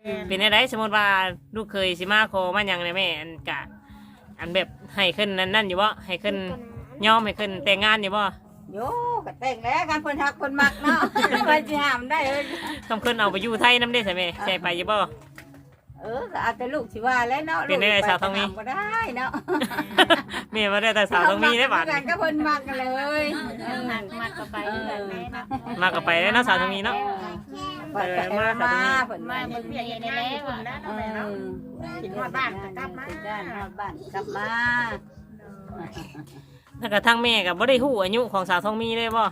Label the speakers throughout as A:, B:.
A: เป็นอะไรสมมติว่าลูกเคยสิมาขอมาหยังในแม่อันกะอันแบบให้ขึ้นนั่นอยู่บ่ให้ขึ้นยอมให้ขึ้นแต่งงานอยู่บ่
B: โยก็แต่งแล้วกันเพิ่นฮักเพิ่นมักเนาะ ว่าสิห้ามได้เอ้ย
A: คำขึ้นเอาไปอยู่ไทยน้ำได้ใช่ไหมใช่ไปอยู่บ่
B: ก็เอาแต่ลูกสิว่าแล้วเนาะ
A: เป็นได้สาวทองมี
B: บ่ได้เนาะ
A: แม่มาได้แต่สาวต้องมีได้บาด
B: กันก็เพิ่นมักกันเลย
C: มากก็ไปแบบนี้นะ
A: มากับไปได้เนาะสาวต้องมีเนาะ
B: เปิดแต่มาเพิ่น
C: มาเบิ่งเบียในแล้วอ่ะนะ
B: กินฮอดบ้านก็กลับมาฮอดบ้านกลับมา
A: แล้วก็ทั้งแม่กับบ่ได้ฮู้อายุของสาวทองมีเลยบ่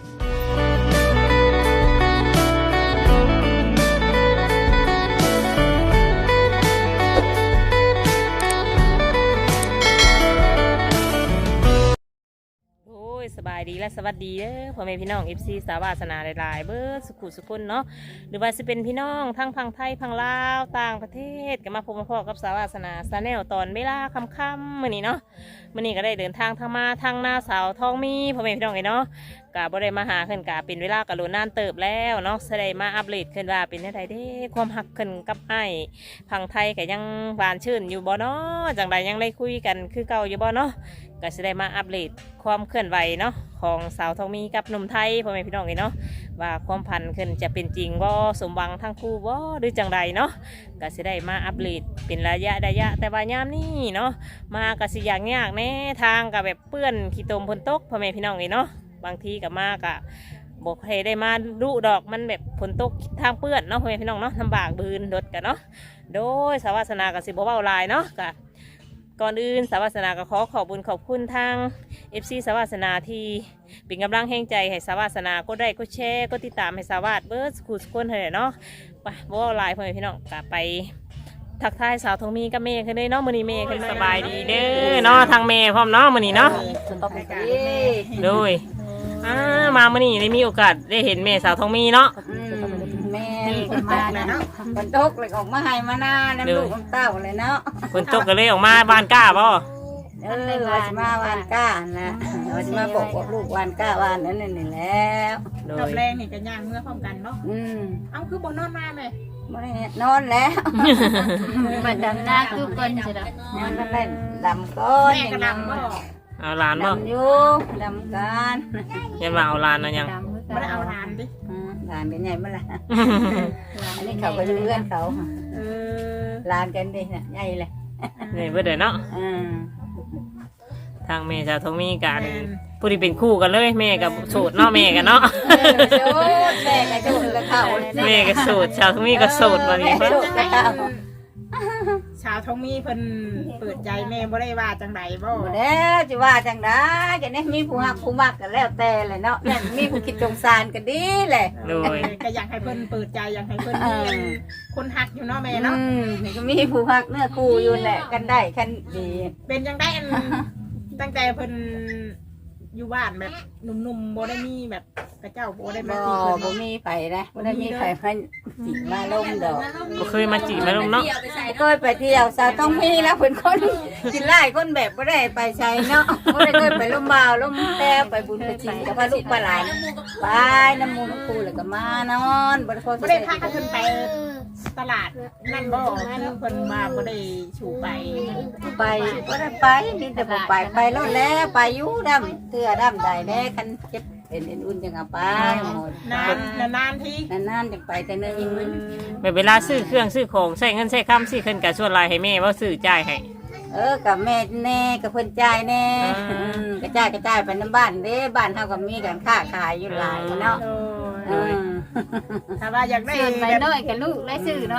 A: สบายดีและสวัสดีเด้อพ่อแม่พี่น้อง FC สาวาสนาหลายๆเบิดสุขุสุคนเนาะหรือว่าจะเป็นพี่น้องทั้งพังไทยพังลาวต่างประเทศก็มาพบมาพอกับสาวาสนาซาแนลตอนเวลาค่ำๆมื้อนี้เนาะมื้อนี้ก็ได้เดินทางมาทางหน้าสาวทองมีพ่อแม่พี่น้องเนาะก็บ่ได้มาหาขึ้นกะเป็นเวลากะโลนานเติบแล้วเนาะแสดงมาอัปเดตขึ้นว่าเป็นจังไดเด้ความฮักขึ้นกับอ้ายพังไทยก็ยังหวานชื่นอยู่บ่เนาะจังใดยังได้คุยกันคือเก่าอยู่บ่เนาะก็จะได้มาอัปเดตความเคลื่อนไหวเนาะของสาวทองมีกับหนุ่มไทยพ่อแม่พี่น้องเนาะว่าความพันขึ้นจะเป็นจริงว่าสมหวังทั้งคู่ว่าหรือจังใดเนาะก็จะได้มาอัปเดตเป็นระยะแต่ว่ายามนี้เนาะมาก็สิอย่างยากแน่ทางกับแบบเปื้อนขี้ตมพนตกพ่อแม่พี่น้องเนาะบางทีกับมากะบอกให้ได้มาดูดอกมันแบบฝนตกทางเปื้อนเนาะพ่อแม่พี่น้องเนาะลำบากบืนรถกันเนาะโดยสาวาสนากับสิบเบาลายเนาะกะก่อนอื่นสาวาสนาก็ขอบุญขอบคุณทาง FC สาวาสนาที่เป็นกำลังแห่งใจให้สาวาสนาก็ได้ก็แชร์ก็ติดตามให้สาวาสเบิร์ดสกูสกุลเถอะเนาะไปบ่าวลายพ่อแม่พี่น้องกะไปทักทายสาวทองมีกับเมย์ขึ้นเลยเนาะมื้อนี้เมย์ขึ้นสบายดีเด้อเนาะทางเมย์พร้อมเนาะมื้อนี้เนาะโดยมามื้อนี้ได้มีโอกาสได้เห็นเมย์สาวทองมีเนาะ
B: แม่มาเนาะฝนตกเลยออกมาให้มาหน้าน้ำลูกน้ำเต้าเลยเนาะ
A: ฝนตกก็เลยออกมาบ้านก้าบ่
B: ว่าจะมาวานก้านะว่าจะมาบอกลูกวานก้าวานนั่นนี่แล้ว
C: รอบแรงนี่กันย่างเมื่อพร้อมกันเนาะเอาคือบนนอนมาเลย
B: ไม่นอนแล้ว
C: มันดำหน้าคือคนใช่ไหม
B: มันเล่นดำก้อน
C: แม่ก็ดำบ่
A: เอาลานบ่
B: ดำอยู่ดำกัน
A: ยังมาเอาลานนะยัง
C: ไม่ได้เอาลานดิ
B: ลานเป็นไงเมื่อไรอันนี้เขาก็อยู่เพื่อนเขาลานกันดิเนี่ยใหญ่เลย
A: นี่เพื่อเดี๋ยวเนาะทางแม่สาวทองมีกันผู้ที่เป็นคู่กันเลยแม่กับสูตรเนาะแม่กันเนาะ
B: แม่กับสูตรกับเขา
A: แม่กับสูตรสาวทองมีกับสูตรมาดีเพิ่น
C: ชาวทองมีเพิ่นเปิดใจแม่บ่ได้ว่าจังใดบ่
B: แล้วจะว่าจังได้กันนี่มีผู้หักผู้มักกันแล้วแต่เลยเนาะเนี่ยมีผู้คิดสงสารกันดีเลย
C: ก็อยากให้เพิ่นเปิดใจอยากให้เพิ่นมีคนหักอยู่เนาะแม่เนาะ
B: ก็มีผู้หักเนื้อคู่อยู่แหละกันได้คันดี
C: เป็นจังได้ตั้งแต่เพิ่นอยู่บ้านแบบหนุ่มๆบ่ได้มีแบบกระเจ้าบ่ได้มาจีบ
B: บ่มีไผนะบ่ได้มีไผมาจีบมาลงดอก
A: บ่เคยมาจีบมาลงเนาะ
B: เคยไปเที่ยวสาวต้องมีแล้วเพิ่นคนกินไล่คนแบบบ่ได้ไปใช้เนาะบ่ได้เคยไปลมบ่าวลมแต่ไปบุญไปจีกับพาลูกปลาหลานไปน้ำมูน้ำคูแล้วก็มานอนบ่ได้พอ
C: บ่ได้พากันไปตลาดนั่นบ่คือเพิ่นมาบ่ได้ชูไป
B: บ่ได้ไปมีแต่บ่ไปรถแล้วไปอยู่ดำเทื่อดำได้แน่คันเจ็บเป็นอุ่นจังเอาไปหมด
C: นานที่
B: นานจังไปแต่นึง
A: แบบเวลาซื้อเครื่องซื้อของใช้เงินใช้คำซื้อขึ้นกับส่วนลายให้แม่ว่าซื้อจ่ายให้
B: กับแม่แน่กับเพิ่นจ่ายแน่กระจายไปน้ำบ้านเด้บ้านเฮาก็มีการค้าขายอยู่หลายเนาะ
C: ถ้าว่าอยากได้
B: ไปน้อยกับลูกได้ซื้อเนาะ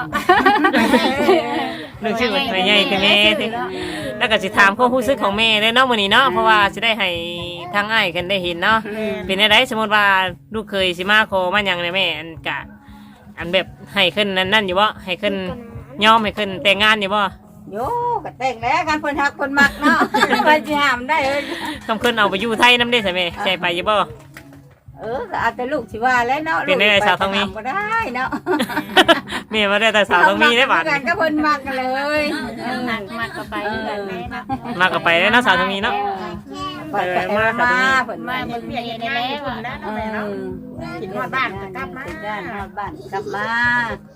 A: ลูกชื่อแม่ใหญ่คือแม่แล้วก็สิถามข้อรู้สึกของแม่ได้เนาะมื้อนี้เนาะเพราะว่าสิได้ให้ทางอ้ายกันได้เห็นเนาะเป็นจังได๋สมมุติว่าลูกเคยสิมาขอมาหยังในแม่อันกะอันแบบให้ขึ้นนั่นอยู่บ่ให้ขึ้นยอมให้ขึ้นแต่งงานอยู่บ่
B: โยก็แต่งแล้วกันเพิ่นฮักเพิ่นมักเนาะว่าสิห้ามได้เอ้ย
A: คำขึ้นเอาไปอยู่ไทยนำได้ใช่มั้ยใช่ไปอยู่บ่
B: ก็เอาแต่ลูกสิว่าแล้วเนาะ
A: เป็นได้สาวทองมี
B: บ่ได้เนาะ
A: แม่มาได้แต่สาวทองมีได้บาด
B: กันก็เพิ่นมักกันเลย
C: มากก็ไปแบบนี้นะ
A: มากก็ไปได้เนาะสาวทองมีเนาะ
B: มาเพิ่น
C: มาเบิ่งเบียในแล้วอ่ะนะแม่เนาะกินฮอดบ้านก็กลับมา
B: ฮอดบ้านกลับมา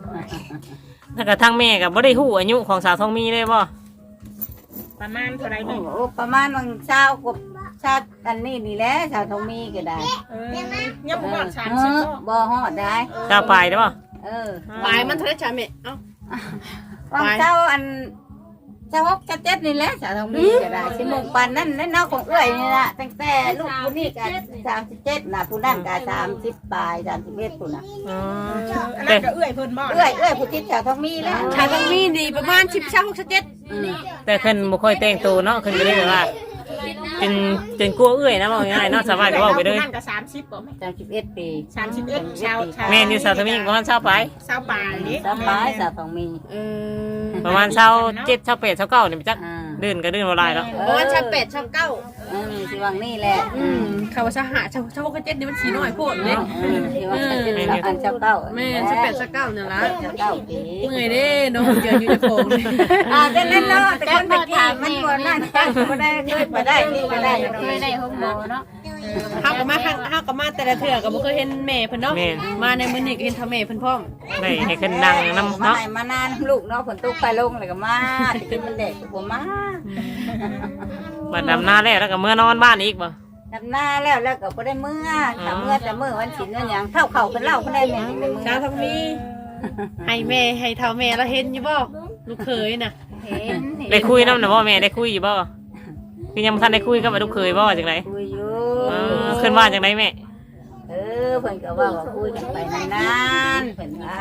A: ถ้ากับทั้งแม่กับบ่ได้ฮู้อายุของสาวทองมีเลยบ่
C: ประมาณเท่าไร
B: โอ้
C: แม่
B: โหประมาณวันเช้ากบชาติอันนี้นี่แหละชาวทองมีก็ได้
C: ยังบ่ฮอด
B: เอ
C: 30
B: อ
C: เนาะ
B: บ่ฮอดได้
A: เจ้าไปได้บ่
B: เออ
D: ปลายมันเท่าไหร่จ้าแม่เอ้า
B: วันเช้าอันเช้า6 7นี่แหละชาวทองมีก็ได้สิโมงปานนั้นในนอกของเอื้อยนี่ล่ะตั้งแต่ลูกผู้นี้ก็37น่ะผู้นั้นก็30ปลาย31ผู้น่ะ
A: อืม
C: อันนั้นก็เอื้อยเพิ่นบ่
B: เอื้อยผู้ที่ชาวทองมีแล้ว
D: ชาต้องมีนี่ประมาณ16-17
B: อืม
A: แต่ขึ้นบ่ค่อยแต่งตัวเนาะขึ้นก็เลยแบบว่าจนกลัวเอื้อยนะว่าง่ายๆเนาะสบายก็เว้าไปเลย
C: นั่นก็30บ่แม่
B: 31ปี
C: 31ชาว
A: แม่นอยู่สาวทองมีประมาณ20ไป
C: ชาวป่านี่
B: สบายชาวทองมี
D: เออ
A: ประมาณ27 28 29นี่จัก
B: อ่า
A: เดินก็เดินบ่หลายแล้ว
D: ประมาณ18-19
B: สิวังนี่แหละ
D: คำว่าชา6-7นี่มันสีน้อยโพดเลย
B: สิวังอันเจ้าเก้า
D: แม่18-19เนี่ยละ
B: เจ้าเก้าปี
D: เมื่อยเด้น้องเจออยู่ในโพง
B: จะเล่นเนาะแต่คนไปถามมันบ่นั่นก็ได้เคยไปได้นี่ก็ได้
E: เคยได้ห้องหมอเนาะ
D: เฮาก็มาแต่ละเทื่อก็บ่เคยเห็นแม่เพิ่นเนาะมาในมื้อนี้ก็เห็นเท่าแม่เพิ่นพร้อม
A: ได้ให้ขึ้นนั่งนำ
B: มา
A: เนาะ
B: ให้มานานลูกเนาะฝนตกไปลงเลยก็มาจะกินมันเด็กก็มา
A: บัดดำหน้าแล้วก็เมื่อนอนบ้านอีกบ่
B: ดำหน้าแล้วก็บ่ได้เมื่อถ้าเมื่อแต่เมื่อวันศิลป์วันหยังเท่าเข่าเป็นเล่าเพิ่นได้แม่ในมือ
D: ชาวทองมีให้แม่ให้เท่าแม่แล้วเห็นอยู่บ่ลูกเขยน่ะ
B: เห็น
A: ได้คุยนำน่ะบ่แม่ได้คุยอยู่บ่คือยังบ่ทันได้คุยกับลูกเคยบ่จังได๋
B: คุยอยู่
A: ขึ้นว่าจังไดแม่
B: เพิ่นก็ว่าคุยกันไปนานๆเพิ่นว่า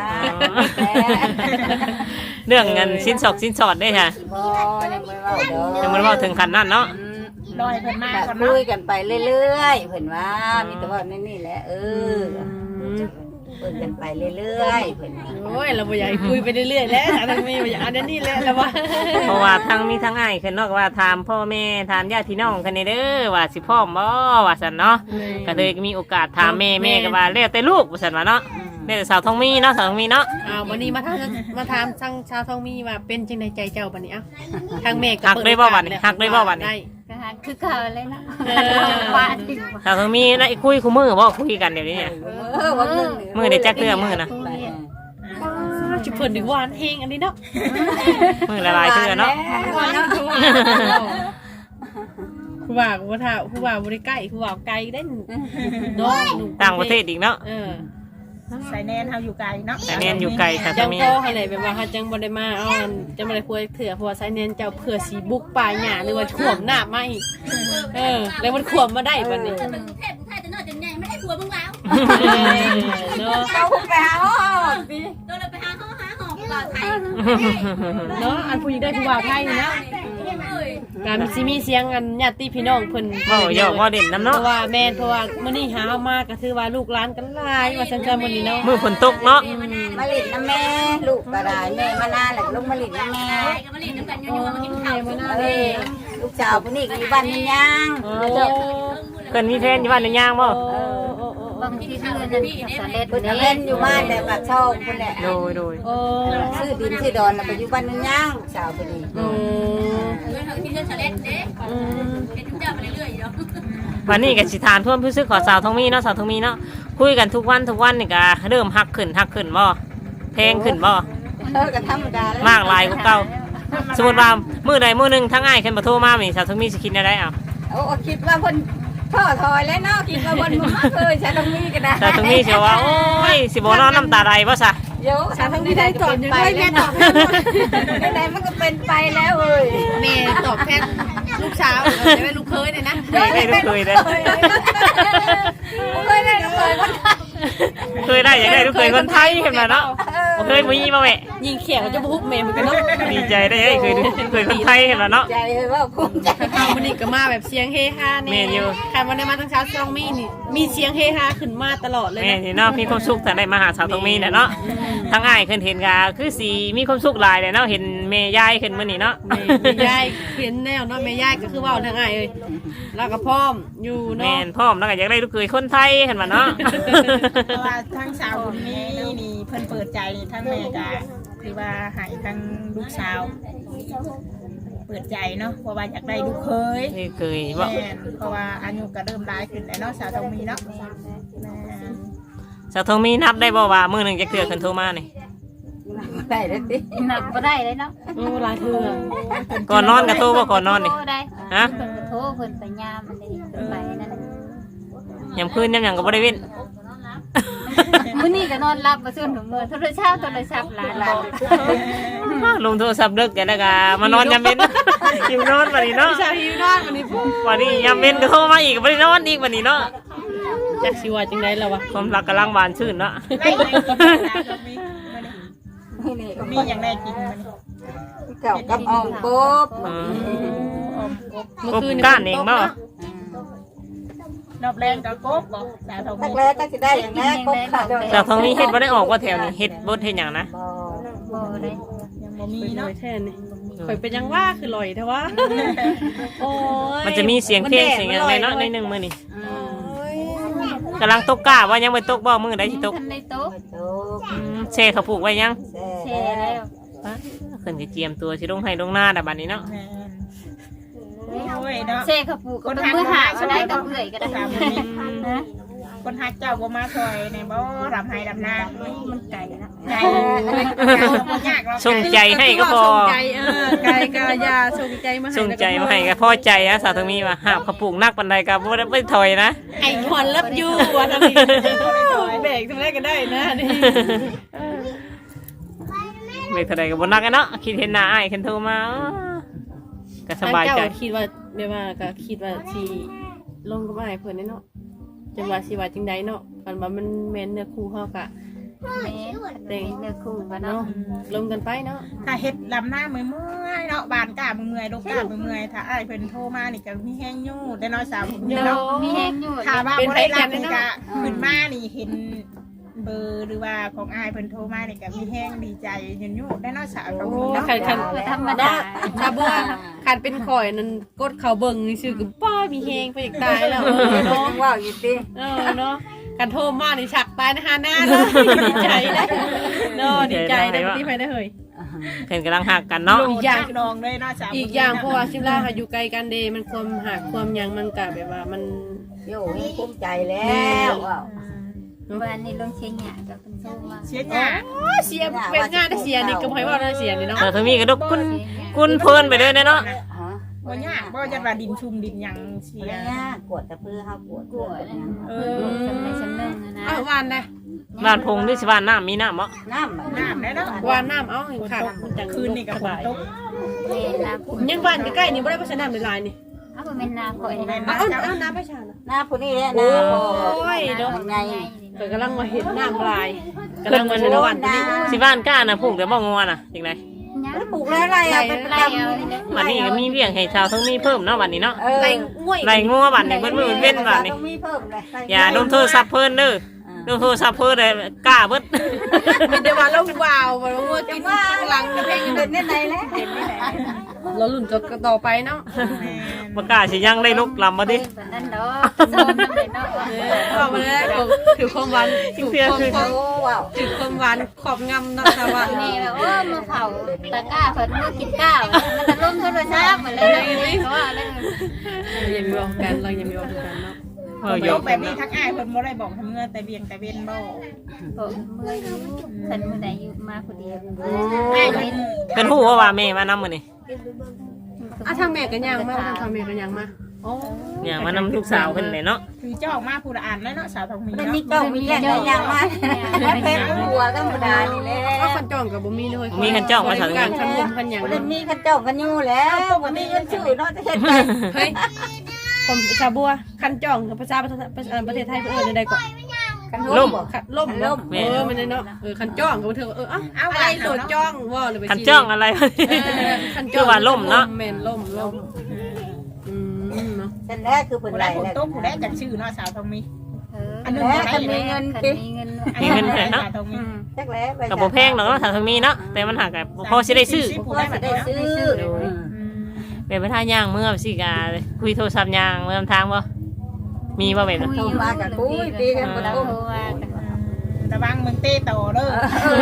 A: เรื่องเงินสินสอดได้ค่ะ
B: บ่ยังบ่เว้าดอก
A: ยังบ่ได้เว้าถึงขั้นนั้นเนาะ
C: ลอยเพิ่นมา
B: ก็
C: ก่อน
B: คุ
C: เนาะ
B: ยกันไปเรื่อยๆเพิ่นว่ามีแต่ว่านี่แหละคุยกันไปเรื่อยๆเพิ่นว่า
D: โอ้ยเราบ่อยากให้คุยไปเรื่อยๆแล้วชาวทองมีบ่อยากอันนี้แหละแล้วว่า
A: เพราะว่าทั้งมีทั้งอ้ายขึ้นเนาะก็ว่าถามพ่อแม่ถามญาติพี่น้องกันนี่เด้อว่าสิพร้อมบ่ว่าซั่นเนาะก็เลยมีโอกาสถามแม่ก็ว่าแล้วแต่ลูกว่าซั่นว่าเนาะแล้วแต่สาวทองมีเนาะสาวทองมีเนาะ
D: วันนี้มาถามทางชาวทองมีว่าเป็นจังไดใจเจ้าบัดนี้เอ้าทางแม่ก็
A: หักได้บ่บัดนี้หักได้บ่บัดนี้
E: ก็หาคือเก่าเลยเนาะ
D: เออ
E: ว่าที่
A: สาวทองมีได้คุยคู่มือบ่คุยกันเดี๋ยวนี้เนี่ย
B: วันหนึ่ง
A: มื้อได้จักเทื่อมื้อนะ
D: จุเพิ่นถึงหวานเฮงอันนี้เนาะ
A: มื้อละหลายเทื่อเนาะ
D: ผู้ว่าบ่ท่าผู้ว่าบ่ได้ใกล้ผู้ว่าไกลเด้นเนาะ
A: ต่างประเทศอีกเนาะ
C: ใส่แนนเฮาอยู่ไกลเนาะ
A: แต่เนียนอยู่ไกลค่ะ
D: จั
A: จะ
D: ง
A: มี
D: ก็อะไรแบบว่าจังบ่ได้มาเอาจังบ่ได้คุยเถื่อเพราะว่าไซเนนเจ้าเผื่อสีบุกป่าหญ้าหรือว่าข่วมหน้ามาอีกแล้วมันข่วมมาได้บัดนี้
E: เทพไทยจะนอนจังไงไม่ได้ผัวมึงแล้ว
D: เนาะ
B: เราไปหาห้องปี
E: โดนเราไปหาห้องบ่าวไทย
D: เนาะอันผู้หญิงได้ผู้บ่าวไทยนี่นะการสิมีเสียงกันญาติพี่น้องเพิ่น
A: เว้าหยอกเว้าเด่นน้ำ
D: เพ
A: เนาะ
D: ราะว่าแม่นเพราะว่ามื้อนี้หาเอามาก็ถือว่าลูกหลานกันหลายว่าซั่นๆมื้อนี้เนาะ
A: มื้อฝนตกเนาะ
B: มาลิดน้ำแม่ลูกก็ได้แม่มานานแหละลูกมาลิดน้ำแม่
E: ก็มาเล่นน้ำกันยัวๆมากินข้าว
B: ลูกสาวคนนี้ก็อยู่บ้านนี่ยัง
A: เพิ่นมีแฟนอยู่บ้านหรือยังบ่
E: บางทีเพื่อนนั่นสาเล็ด
B: คนนี้เล่นอยู่บ้านแต่ปากช่องคนแหละ
A: โดย
D: โอ้
B: ชื่อดินชื่อดอนไปอยู่บ้านนี่ยังลูกสาวคนนี้
D: อืม
E: เพื่อนเขาที่เพื่อนสาเล็ดเด้เป็นทุกเจ้ามาเรื่อยๆเนาะ
A: วันนี้ก็สิถามท่วมผู้ซื้อขอสาวทองมีเนาะสาวทองมีเนาะคุยกันทุกวันนี่ก็เริ่มฮักขึ้นบ่แพงขึ้นบ่
B: ก็ธรรมดาม
A: ากหลายกว่าเก่าสมมุติว่ามื้อใดมื้อหนึงทั้งอ้ายขึ้นบ่โทรมานี่สาวทองมีสิคิดได้อ่ะ
B: โอ้คิดว่าคนพ่อถอยแล้วเนาะคิดว่าคนมาเคยใช้ตรงนี้ก็ได้
A: สาวทองมีสิว่าโอ้ยสิบ่นอนน้ำตาไหลบ่ซะ
B: เดี๋ยว
D: สาวทองมีได้ตอบยังไงแม่ตอบ
B: ไหนมันก็เป็นไปแล้วเอ้ย
D: แม่ตอบแทนลูกสาวจะเป็นลูกเคยเนี่ยนะ
A: ได้ลูกเคยได้
B: เคยได้เคยคน
A: เคยได้อยากได้ลูกเคยคนไทยเห็นบ่เนาะบ่เคยมีมาแม่
D: ยิงเขียวจะบุกแม่เหมือนกันเนาะ
A: ดีใจได้เคยคนไทยเห็นบ่เนาะ
B: ใจเลยว่าภูมิใจ
D: ข้าวมันนี่ก็มาแบบเสียงเฮฮาเนี่ย
A: แม่นอยู่
D: ใครวันได้มาตั้งเช้าซองมีนี่มีเสียงเฮฮาขึ้นมาตลอดเลย
A: แม่
D: นะ
A: นี่เนาะมีความสุขแต่ได้มาหาสาวทองมีเนี่ยเนาะทั้งอ้ายขึ้นเห็นก็คือสีมีความสุขหลายเลยเนาะเห็นแม่ยายขึ้นมื้อนี้เนาะ
D: แม่ยายเห็นแนวเนาะแม่ยายก็คือว่าทางไงเอ้ยแล้วก็พร้อมอยู่
A: แม่
D: เนาะ
A: นพร้อมแล้วก็อยากได้ลูกเคยคนไทยเห็นบ่เนาะ
C: เพราะว่าทั้งสาวคนนี้นี่เพิ่นเปิดใจทั้งแม่ก็คือว่าให้ทั้งลูกสาว เปิดใจเนาะเพราะว่าอยากได้ลูกเคย
A: นี่เคยบ่
C: แม่นเพราะว่าอายุก็เริ่มร้ายขึ้นแล้วเนาะสาวต้องมีเนาะแม่น
A: สาวทองมีนับได้บ่ว่ามื้อหนึงจะเทื่อขึ้นโทรมานี่
B: ได้แล้วติ
E: หนักบ่ได้เลยเนาะ
D: โอ้หลายเทื่อ
A: ก่อนนอนก็โทรบ่ก่อนนอนนี่
E: โทรได้
A: ฮะ
E: เพิ่นก็โทรเพิ่นไปยามอันนี้เพิ่นไปนั่น
A: ยามคืนยามหยังก็บ่ได้เว้น
E: มื้อนี้ก็นอนหลับบ่ซื่นหนูมื้อโทรศัพท์หลานบอก
A: ลงโทรศัพท์เลิกกันแล้วก็มานอนยามเว้น หิวนอนบัดนี้เนาะ
D: ผู้ชายหิวนอนวันนี้พุ่ง
A: วันนี้ยามเว้นก็โทรมาอีกก็บ่ได้นอนอีกวันนี้เนาะ
D: จักสิว่าจังได๋ล่ะวะ
A: ความรักกำลังหวานชื่นเนาะ
C: ได้ยังกินนะตรงนี้
B: นี่ก็
C: มีอย่างได้กินมัน
B: เก่ากับอ้อมกบ
A: อืม
C: อมกบ
D: เมื่อคืน
A: ก้านเองเนาะ
C: รอบแรงก็กบบ่สาวทอง
B: ตัก
C: มี
B: แล้วก็สิได้อย่างนี้กบขาด
A: จากทางนี้เฮ็ดบ่ได้ออกว่าแถวนี้เฮ็ดบ่เฮ็ดหยังนะ
B: บ่
E: บ่ได้
C: ยังบ่มี
D: มีน้อ
C: เนาะ
D: ยแท้นี่ข่อยเป็นยังว่าคือลอยแท้วะโอ้ย
A: มันจะมีเสียงเพลงเสียงหยังในเนาะในหนึงมื้อนี้
B: อืม
A: กำลังตกกล้าว่ายังไม่ตกบ่มื้อใดสิตก
E: ทันได้โต๊ะ
B: โต
A: เช่เขาปลูกไว้ยัง
B: แซ่
E: แช่แล้ว
A: ขึ้นสิเจียมตัวสิลงให้ลงหน้าดะบัดนี้เนาะ
C: แม่นโอ้ยเนาะ
E: แช่เขาปลูกก็ต้องมือหาก็ได้กับเอื่อยก็ได้นะ
C: คนฮักเจ้าบ่มาซอยในบ่รำไห้รำนา
E: มันไก่นะ
C: ใจยากเรา
A: ส่งใจให้ก็พอ
D: ส่งใจไก่กายาส่งใจมาให้
A: ส่งใจมาให้ก็พอใจอะสาวทางมีว่าหาบเขาปลูกนักปานใดก็บ่ได้ถอยนะ
D: ไอ้หอนรับอยู่ว่าทำนี่เบรกทำได้ก็ได้นะนี่
A: ไม่เท่าใดก็บ่นักอะเนาะคิดเห็นหน้าอ้ายขึ้นโทรมาก็สบายใจ
D: เจ้คิดว่าแบบว่าก็คิดว่าสิลงกับอ้ายเพิ่นเนาะจังว่าสิว่าจังไดเนาะกันว่ามันแม่นเนื้อคู่เฮากะ
E: แม่แต่งเนื้อคู่กันเนาะ
D: เนาะลงกันไปเนาะ
C: ถ้าเฮ็ดลำหน้าเมื่อยๆเนาะบานกล้าเมื่อยๆลกกล้าเมื่อยๆถ้าอ้ายเพิ่นโทรมานี่ก็มีแห้งอยู่ได้น้อยสาวเนาะ
E: มีแห้งอยู่
C: ถ้าว่าบ่ได้รับนี่ก็ขึ้นมานี่เห็นเบอร์หรือว่าของอ้ายเพิ่นโทรมานี่ก็มีแห้งดีใจยืนอยู่ได้น้อยสาวตรงนี้เนาะ
D: คัน
E: ธรรมดา
D: ชาบัวคันเป็นข่อยนั่นกดเข้าเบิ่งซื่อๆก็ป้ามีแฮงไปอีกตายแล้วเนาะ
B: ว่าอยู่ติ
D: เนาะกันโทรมานี่ฉักตายนะฮะหน้าเลยดีใจเลยเนาะดีใจได้ที่ไปได้เฮ้ย
A: เพิ่นกำลังหักกันเนาะ
C: อีกอย่างน้องเลยน้อยสาว
D: อีกอย่างเพราะว่าชิลาอยู่ไกลกันเดมันความหักความยังมันกะแบบว่ามัน
B: โย่ภูมิใจแล้วว้าว
E: วันนี้ลงเชียงใหม่กับคุณโซมา
C: เสียหน้า
D: เสียเป็นงานได้เสียนี่ก็บ่ให้ว่าได้เสียนี่เนาะ
A: สาวทางมีก็ดกกุนเพลินไปเลยเนาะ
B: ฮะ
C: บ่ยากบ่จะว่าดินชุมดินหยังเสีย
B: เนี่ยกวดตะพื้อเฮากวดกวดเนี่ย
C: เอ
E: สำในสำนึกนะ
D: เอาวานนะ
A: บ้านพงที่สิบ้านน้ำมีน้ำบ่
B: น้ำ
C: น้ำได้เนาะ
D: วานน้ำเอาให้ขาดมันจัง
C: คืนนี่กับฝนตก
E: เมนนาคุณ
D: ยังบ้านใกล้ๆนี่บ่ได้ไปสนามในลายนี่
E: เอาไปเมนนาคอยนะ
D: เอาน้ำไปชานะ
B: หน้าผู้นี้แหละหน้าพอ
E: ไง
D: เกิดกำลังมาเห็นน้ำลายกำลังมาในระหว่างนี้
A: สิบ้านก้าน่ะปลูกแต่บ่งัวน่ะจังได
B: แล้วปลูกแล้วอะไรอ่ะเป็นประ
E: ไล่
B: จำ
E: เอานี่นะ
A: บัดนี้ก็มีเลี้ยงให้ชาวทางมีเพิ่มเนาะบัดนี้เนาะ
D: ไรง่วย
A: ไล่งัวบัดนี้เบิ่มื้อเว้นบัดนี้
B: ต้องมีเพิ่มเลย
A: อย่าโดนโทรศัพท์เพิ่นเด้อโดนโทรศัพท์เพิ่นเลยกล้าเบิด
D: มีแต่ว่าเราวาวว่าง่วยกินหลังเพลง
B: เป็นเนี่ยไหนแล้วเห็นไหม
D: เราลุ่นก็ต่อไปเนาะ
A: บ่กล้าสิยังได้ลุกลำบ่ดิ
E: แบบนั้นเนาะโซนนั่นเลยเนาะ
D: เอามาแล้วถือความหวานถือความ
B: โอ้ว้าว
D: ถือความหวานขอบงำเนาะแต่ว่า
E: นี่แบบว่ามาเผาตะก้าเพิ่นมากินก้าวมันจะล้มโทรศัพท์เหมือนเลยเพราะว่าอะไร
D: เรายังมีวงกันเรายังมีวงกันเนาะ
A: เออ
C: โย
A: โย
C: กแบบนี้ทักอ้ายเพิ่นบ่ได้บอกทำเงื่อนแต่เบียงแต่เวนบ่
E: เมื่อยคันมื้อใดอยู่มาคนเดียว
C: อ้ายเพิ่น
A: เพิ่นฮู้ว่าแม่มานำมื้อนี้
D: อ่ะทางแม่กันยังมาทางแม่กันยังมาโอ้
A: อย่างมานำลูกสาวเพิ่นเลยเนาะ
C: คือเจ้ามาผู้ละอ่านแล้วเนาะสาวทองมี
B: เป็น
C: เนาะ
B: นี่เจ้ามีแรงได้ยังมาเป็นหัวธรรมดานี่แหละ
D: ก็คันจ้องกับบ่มีเลย
A: มีคันจ้องมาสาว
D: การคันมุมคันหยัง
B: เป็นมีขันเจ้ากันอยู่แล้วปกติเงินชื่อเนาะจะเฮ็ดไป
D: เฮ้ยผมชาบัวคันจ้องภาษาประเทศไทยเพิ่นได้ก่อน
B: กันล่มบ่
D: คันล่มมันเนาะคันจ้องก็เธอเอาอะไรโดดจ้องว่าเลยไป
A: คันจ้องอะไร คือว่าล่มเนาะ
D: แม่นล่มเนาะ
B: แต่แรกคือเพิ่น
C: ผู้
B: ไหล
C: ใดผู้
B: แล้ว
C: โต๊ะผู้ใดจักชื่อเนาะสาวทองมี
E: อันนึงคันมีเงิน
C: มีเงินเนาะสาวทองมี
B: จักแล้ว
A: ก็บ่แพงดอกเนาะถ้าทางมีเนาะแต่มันหาก็พอสิได้ซื้อ
B: ผู้ได้ได้ซื้อ
A: เป็นไปท่าย่างเมื่อสิกาคุยโทรศัพท์ย่างเมื่อทางบ่มีบ่แบบนั้น
B: โทรมากับคุยตีกันบ่
E: เรา
B: ทุ่ม
E: โทรว่า
C: ระวังมึงเต้ต่อเด้อ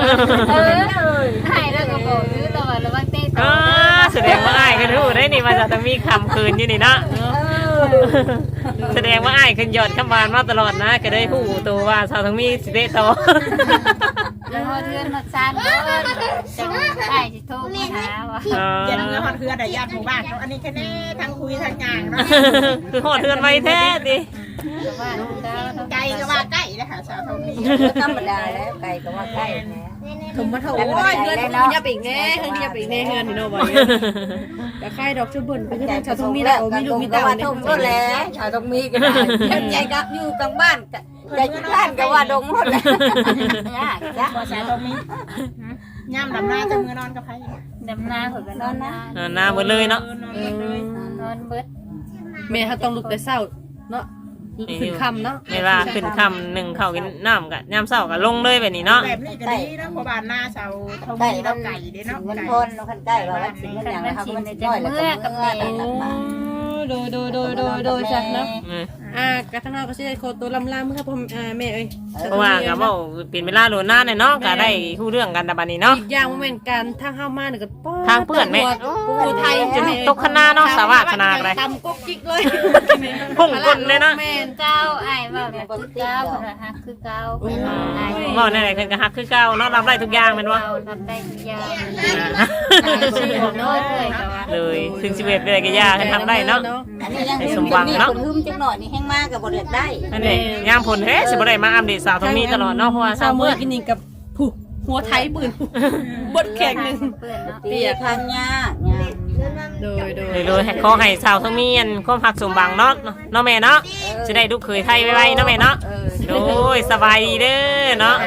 E: ให้แล้วก็บอกซื้อตลอดระวังเต้ต่
A: อ๋
E: อ
A: อแสดงว่าอ้ายก็รู้ได้นี่ว่าจะต้องมีคำคืนอยู่นี่เนาะแสดงว่าอ้ายขึ้นยอดคำบานมาตลอดนะก็ได้ฮู้ตัวว่าสาวต้องมีสิเตะต่อ
E: แล้วเทือนมาซาานเพิ่นจังได้สิโทรมาหาว่า
C: เย็นเงือฮอดเฮือได้ญาติหมู่บ้านเนาะอันนี้แค่แน่ทั้งคุยทั้งย่างเนาะ
A: คือหอดเทือนไว้แท้ดิ
E: แต่ว่าเจ้าเนาะ
C: ไกลก็ว่าใกล้เลยค่ะชาวทองมี
B: ธรรมดาแล้วไก่ก็ว่าไก่แหน่
D: ถุงมาเถอะโอ้ยเงินคุณยับอีกแน่เงินยับอีกแน่เงินพี่น้องบอกแต่ใครดอกชุบบุญไปที่ชาวตรงนี้แล้วมีลูกมีเต่า
B: ว่า
D: เนี่ย
B: ทงก็แล้วชาวตรงมีก็ได้ใจกับอยู่กลางบ้านใจที่บ้านก็ว่าดงหมดแล้วยากจ้ะ
C: บ่ชาวทองมีย่ำดำหน้าจะมือนอนกับไผ
E: ดำนาเพิ่นก็นอนนา
A: หน้าหมดเลยเนาะ
E: นอนเบิด
D: แม่เขาต้องลุกแต่เช้าเนาะขึ้นคำเนาะ
A: เวลาขึ้นค่ำหนึ่งเข้ากินน้ำกับยามเช้ากับลงเลยแบบนี้เนาะ
C: แบบนี้ก็ดีเนาะเพราะบ้านหน้าชาวทองมีเราไก่เด้เนาะ
B: เงิน
C: ไก่
B: พนเราคันใกล้ว่าวัดสิงห์อย่างนะครับมันน้อยแล้วก็เมื่อแต่ละบ้าน
D: โดยจัดเนาะ
A: อืม
D: กระทั่งเราก็สิได้โคตัวลำครับผมแม่เอ้ย
A: เพราะว่าก็เว้าเป็นเวลาโดนหน้าเนี่ยเนาะก็ได้คู่เรื่องกันแต่บัดนี้เนาะ
D: อีกอย่างว่าเป็นการทางเข้ามาเนี่ยก็
A: ทางเพื่อนแม่
D: ผู้ไทยจะแม่
A: ตกคณะเนาะสาวาสนาอะไร
D: ตำก๊กจิกเลย
A: พุ่งก้นเลยเนาะ
D: แม่น
E: เก้าอ้ายว่าแบบคือเก้าเพิ่นว่าฮักคือเก้าเพิ่นว่าอ้าย
A: เว้าในไหนๆเพิ่นก็ฮักคือเก่าเนาะรับได้ทุกอย่างแม่นบ่
E: เรารับได้ทุกอย่าง
A: อ่า
E: น้อยเลยก็ว่า
A: เลยถึง11เลยก็ยากให้ทำได้เนาะ
B: อันนี้ยังมีคนหึมจังหน่อยนี่แห้งมากกับบทเรียนได้
A: นั่นเองยามผลเฮ้สิบ่ได้มาอัปเดตสาวทองมีตลอดเนาะเพราะว่า
D: ชา
A: สาว ว
D: เมื่
A: เมื่
D: อ
A: อ
D: กินนี่กับผู้หัวไทยปืนบดแข็งหนึ่ง
E: เพื่อนเนาะ
B: เปียกทางยากยาก
D: โดย
A: เลยให้ขอให้สาวทองมีอันความหักสมบังเนาะเนาะแม่เนาะจะได้ลูกเขยไทยไวๆเนาะแม่เนาะโดยสบายดีเด้อเนาะ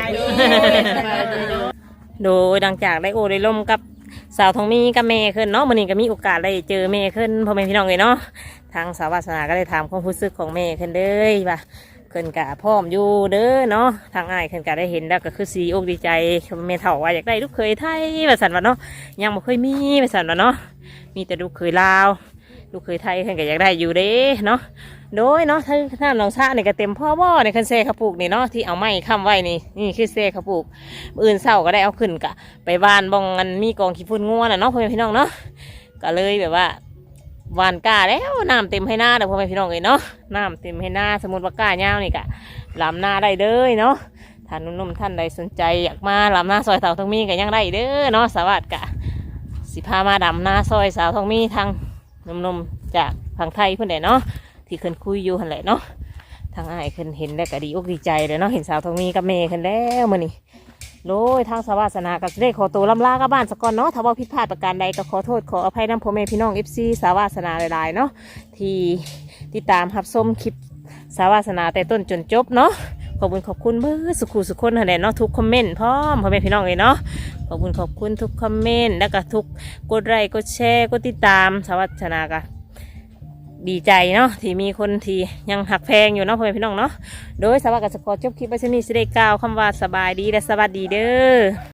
A: โดยดังจากได้โอได้ล่มกับสาวทองมีกับแม่ขึ้นเนาะมื้อนี้ก็มีโอกาสได้เจอแม่ขึ้นพ่อแม่พี่น้องเลยเนาะทางสาววาสนาก็ได้ถามความรู้สึกของแม่ขึ้นเลยว่าขึ้นกะพร้อมอยู่เด้อเนาะทางอ้ายขึ้นกะได้เห็นแล้วก็คือสีอกดีใจแม่เฒ่าว่าอยากได้ลูกเขยไทยว่าซั่นว่าเนาะยังบ่เคยมีว่าซั่นว่าเนาะมีแต่ลูกเขยลาวลูกเขยไทยขึ้นก็อยากได้อยู่เด้เนาะโดยเนาะถ้าน้ำหนองชาเนี่ยก็เต็มพ่อบ่ในคันเซ่ข้าวปลูกนี่เนาะที่เอาไม้ค้ำไว้นี่คือเซ่ข้าวปลูกมื้ออื่นเช้าก็ได้เอาขึ้นกะไปบ้านบ้องอันมีกองขี้ฝุ่นงัวน่ะเนาะพ่อแม่พี่น้องเนาะก็เลยแบบว่าหวานก้าแล้วน้ำเต็มให้หน้าเด้อพ่อแม่พี่น้องเลยเนาะน้ำเต็มให้หน้าสมมติว่าก้ายาวนี่กะลำหน้าได้เลยเนาะท่านนุ่มๆท่านใดสนใจอยากมาลำหน้าซอยสาวทองมีก็ยังได้เด้อเนาะสวัสดิ์กะสิพามาดำหน้าซอยสาวทองมีทางนุ่มๆจากฝั่งไทยเพื่อนเด้เนาะที่ขึ้นคุยอยู่หันแหละเนาะทางอ้ายขึ้นเห็นแล้วก็ดีอกดีใจเลยเนาะเห็นสาวทองมีกับเมย์ขึ้นแล้วมื้อนี้โดยทางสาวาสนาก็ได้ขอตัวลำลากับบ้านสกก่อนเนาะถ้าว่าผิดพลาดประการใดก็ขอโทษขออภัยนำพ่อแม่พี่น้อง FC สาวาสนาหลายๆเนาะที่ติดตามรับชมคลิปสาวาสนาแต่ต้นจนจบเนาะขอบคุณเบอร์สุขุสุขคนหันแหละเนาะทุกคอมเมนต์พร้อมพ่อแม่พี่น้องเลยเนาะขอบคุณทุกคอมเมนต์แล้วก็ทุกกดไลค์กดแชร์กดติดตามสาวาสนาก็ดีใจเนาะที่มีคนที่ยังหักแพงอยู่เนาะพ่อแม่พี่น้องเนาะโดยสวัสดิ์กับสกอร์จบคลิปไปชนีสิได้กล่าวคำว่าสบายดีและสวัสดีเด้อ